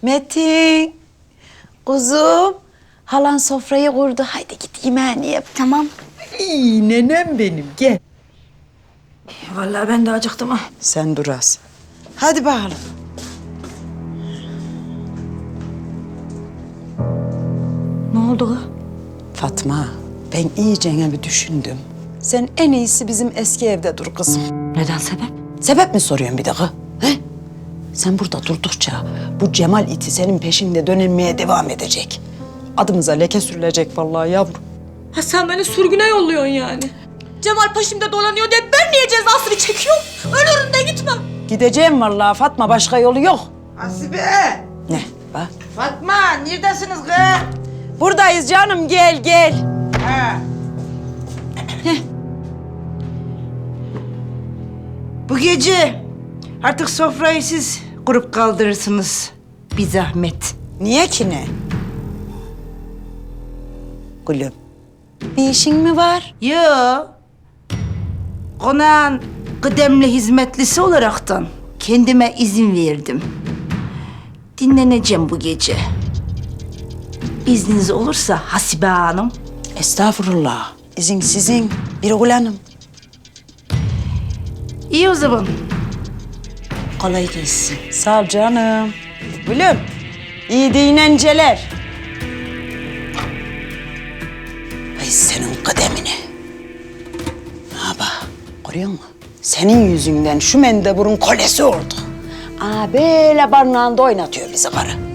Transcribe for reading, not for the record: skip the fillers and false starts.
Metin, kuzum. Halan sofrayı kurdu. Haydi git yemeğini yap. Tamam. İyi nenem benim, gel. Vallahi ben de acıktım ha. Sen dur az. Hadi bakalım. Ne oldu kız? Fatma, ben iyicene bir düşündüm. Sen en iyisi bizim eski evde dur kızım. Neden sebep? Sebep mi soruyorsun bir dakika? He? Sen burada durdukça bu Cemal iti senin peşinde dönmeye devam edecek. Adımıza leke sürülecek vallahi yavrum. Ha sen beni sürgüne yolluyorsun yani. Cemal peşimde dolanıyor diye ben niye cezasını çekiyorum? Ölürüm de gitmem. Gideceğim vallahi Fatma, başka yolu yok. Hasibe! Ne? Bak. Fatma, neredesiniz kız? Buradayız canım, gel gel. Ha. Bu gece artık sofrayı siz kurup kaldırırsınız. Bir zahmet. Niye ki ne? Gülüm, bir işin mi var? Yo. Konağın kıdemli hizmetlisi olaraktan kendime izin verdim. Dinleneceğim bu gece. İzniniz olursa Hasibe Hanım. Estağfurullah. İzin sizin, bir Hanım. İyi o zaman. Kolay gelsin. Sağ ol canım. Gülüm, iyi dinlenceler. Ay senin kıdemini. Ha bak, görüyor musun? Senin yüzünden şu mendeburun kolesi oldu. Aa böyle barınağında oynatıyor bizi karı.